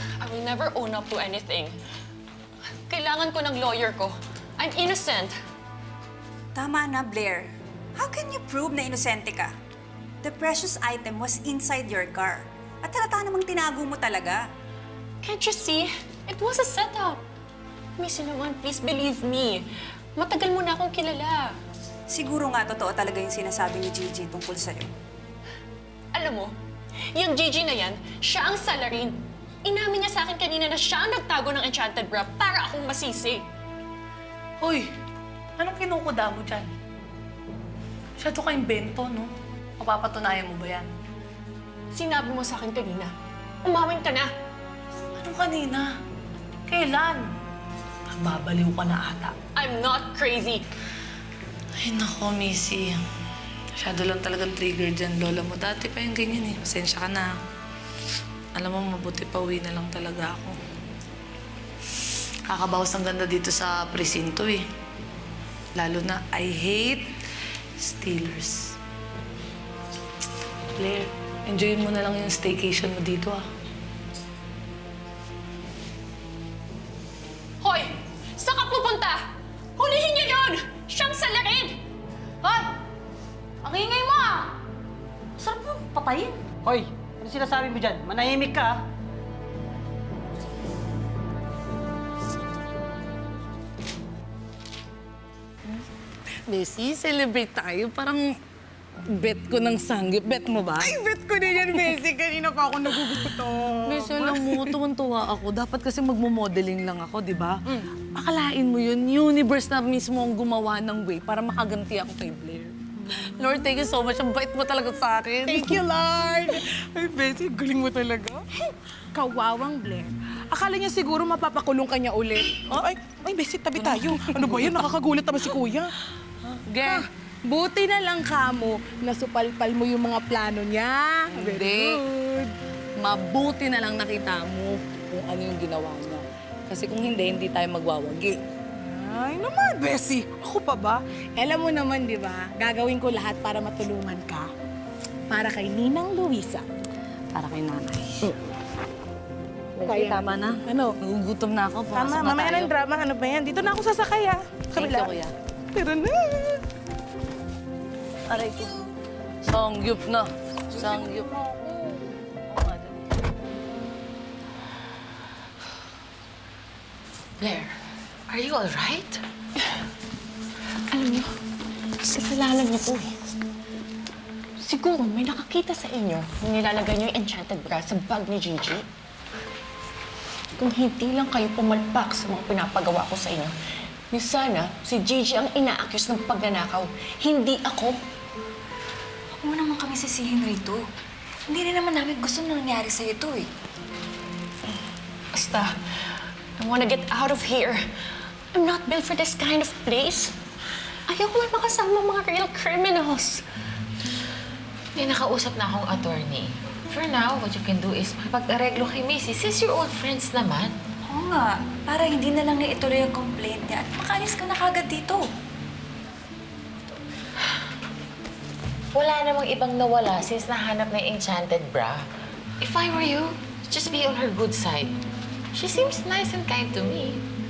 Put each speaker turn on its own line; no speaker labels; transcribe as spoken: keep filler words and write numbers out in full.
I will never own up to anything. Kailangan ko ng lawyer ko. I'm innocent.
Tama na, Blair. How can you prove na inosente ka? The precious item was inside your car. At halata namang tinago mo talaga.
Can't you see? It was a setup. Missy naman, please believe me. Matagal mo na akong kilala.
Siguro nga totoo talaga yung sinasabi ni Gigi tungkol sa'yo.
Alam mo, yung Gigi na yan, siya ang salarin. Inamin niya sa akin kanina na siya ang nagtago ng enchanted bra para akong masisi.
Hoy, anong kinukuda mo dyan? Siya to ka-imbento, no? Mapapatunayan mo ba yan?
Sinabi mo sa akin kanina, umawin ka na.
Anong kanina? Kailan? Babaliw ka na ata.
I'm not crazy.
Ay, nako, Missy. Masyado lang talagang trigger dyan, lola mo. Dati pa yung ganyan eh. Pasensya ka na. Alam mo, mabuti pa uwi na lang talaga ako. Kakabawas ng ganda dito sa presinto eh. Lalo na, I hate Steelers. Blair, enjoyin mo na lang yung staycation mo dito ah.
Hoy! Saan ka pupunta? Hulihin niyo yun! Siyang salarin!
Hoy! Ang ingay mo ah! Sarap mo patayin.
Hoy, ano sinasabi mo dyan? Manahimik ka, ah.
Bessie, celebrate tayo. Parang bet ko ng sanggip. Bet mo ba?
Ay, bet ko din yan, Bessie. Kanina pa ako nagugutom.
Bessie, alam mo, tuwan-tuwa ako. Dapat kasi magmo-modeling lang ako, di ba? Akalain mo yun, universe na mismo ang gumawa ng way para makaganti ako kay Blair. Lord, thank you so much. Ang bait mo talaga sa akin.
Thank you, Lord. Ay, Bessie, galing mo talaga. Kawawang Blair. Akala niya siguro mapapakulong ka niya ulit. Ay, ay, Bessie, tabi tayo. Ano ba yan? Nakakagulat naman si Kuya.
Ge,
Buti na lang kamo, nasupalpal mo yung mga plano niya.
Hindi.
Very good.
mabuti na lang nakita mo kung ano yung ginawa niya. Kasi kung hindi, hindi tayo magwawagi.
Ay naman, Bessie. Ako pa ba? Alam mo naman, di ba? Gagawin ko lahat para matulungan ka. Para kay Ninang Luisa.
Para kay nanay.
Kaya,
Tama na.
Ano?
Nagugutom na ako. Pumasok
Tama,
na
mamaya
tayo.
ng drama. Ano ba yan? Dito na ako sasakay, ah.
Thank you, kuya.
Tara na.
Aray ko. Sangyup na. Sangyup.
Blair, are you alright?
Alam niyo, kasalanan niyo po eh. Siguro may nakakita sa inyo nung nilalagay niyo yung enchanted bra sa bag ni Gigi. Kung hindi lang kayo pumalpak sa mga pinapagawa ko sa inyo, ni sana si Gigi ang ina-accuse ng pagnanakaw, hindi ako.
Huwag mo naman kami sisihin rito. Hindi rin naman namin gusto na nangyari sa ito eh.
Basta, I wanna get out of here. I'm not built for this kind of place. Ayoko man makasama mga real criminals.
May nakausap na akong attorney. For now, what you can do is makipag-areglo kay Missy since you're old friends naman.
Oo nga, para hindi na lang niya ituloy ang complaint niya at makaalis ka na kagad dito.
Wala namang ibang nawala since nahanap na yung enchanted bra. If I were you, just be on her good side. She seems nice and kind to me.